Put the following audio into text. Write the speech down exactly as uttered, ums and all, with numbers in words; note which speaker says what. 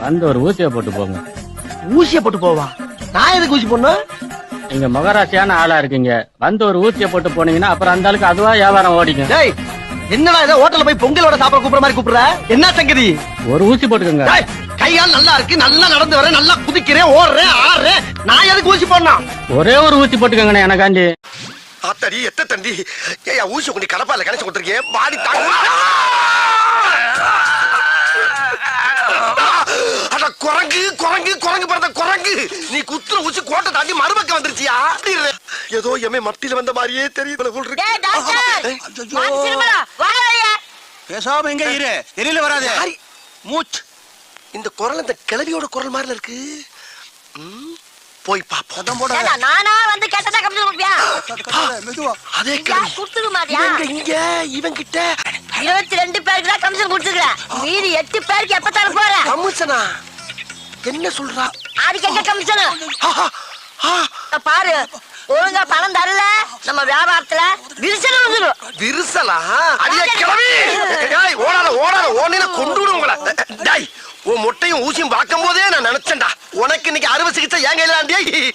Speaker 1: வந்து ஒரு ஊசியை போட்டு போங்க.
Speaker 2: ஊசியை போட்டு போவா? நான் எதுக்கு ஊசி போடணும்?
Speaker 1: நீங்க மகராசியான ஆளா இருக்கீங்க. வந்து ஒரு ஊசியை போட்டு போனீங்கன்னா அப்புறம் அந்த ஆளுக்கு அதுவா வியாபாரம் ஓடிக்கும்.
Speaker 2: டேய், என்னடா இதை ஹோட்டல்ல போய் பொங்கலோட சாப்பிட கூப்பிடுற மாதிரி கூப்பிடுற? என்ன சங்கதி?
Speaker 1: ஒரு ஊசி போட்டுக்கோங்க.
Speaker 2: டேய், கையால் நல்லா இருக்கு, நல்லா நடந்து வரேன், நல்லா குதிக்கிறேன், ஓடுறேன், ஆடுறேன். நான் எதுக்கு ஊசி போடணும்?
Speaker 1: ஒரே ஒரு ஊசி போட்டுக்கோங்கண்ணே எனக்காண்டி.
Speaker 3: ஆத்தாடி எத்த தண்டி ஏயா ஊசி கொண்டு கடப்பால கணச்சு கொடுத்துருக்கேன். பாடி தாங்க. அட குரங்கு குரங்கு குரங்கு பிறந்த குரங்கு, நீ குத்துற ஊசி கோட்டை தாண்டி மறுபக்கம் வந்துருச்சியா? ஏதோ எமே மத்தியில வந்த மாதிரியே தெரியுது போல் இருக்கு.
Speaker 4: பேசாம எங்க இரு, எரியில வராது. மூச்,
Speaker 3: இந்த குரல் இந்த கிளவியோட குரல் மாதிரி இருக்கு. போய் பாப்போம்.
Speaker 5: நானா வந்து கேட்டதா கமிஷன் கொடுப்பியா?
Speaker 3: அதே
Speaker 5: கொடுத்துக்க மாட்டியா?
Speaker 3: இங்க இவன் கிட்ட
Speaker 5: இருபத்தி ரெண்டு பேருக்கு தான் கமிஷன் கொடுத்துக்கிறேன். மீதி எட்டு பேருக்கு எப்ப தர போற?
Speaker 3: கமிஷனா? என்ன சொல்றா?
Speaker 5: அதுக்கு எங்க கமிஷன்? பாரு, ஒழுங்கா பணம் தரல நம்ம வியாபாரத்துல விரிசல் வந்துடும்.
Speaker 3: விரிசலா? அடியே கிளவி, டேய் ஓடாத ஓடாத ஓடினா கொண்டு விடுங்களா? டேய், உன் மொட்டையும் ஊசியும் பார்க்கும் போதே நான் நினைச்சேன்டா உனக்கு இன்னைக்கு அறுவை சிகிச்சை ஏன் கையில.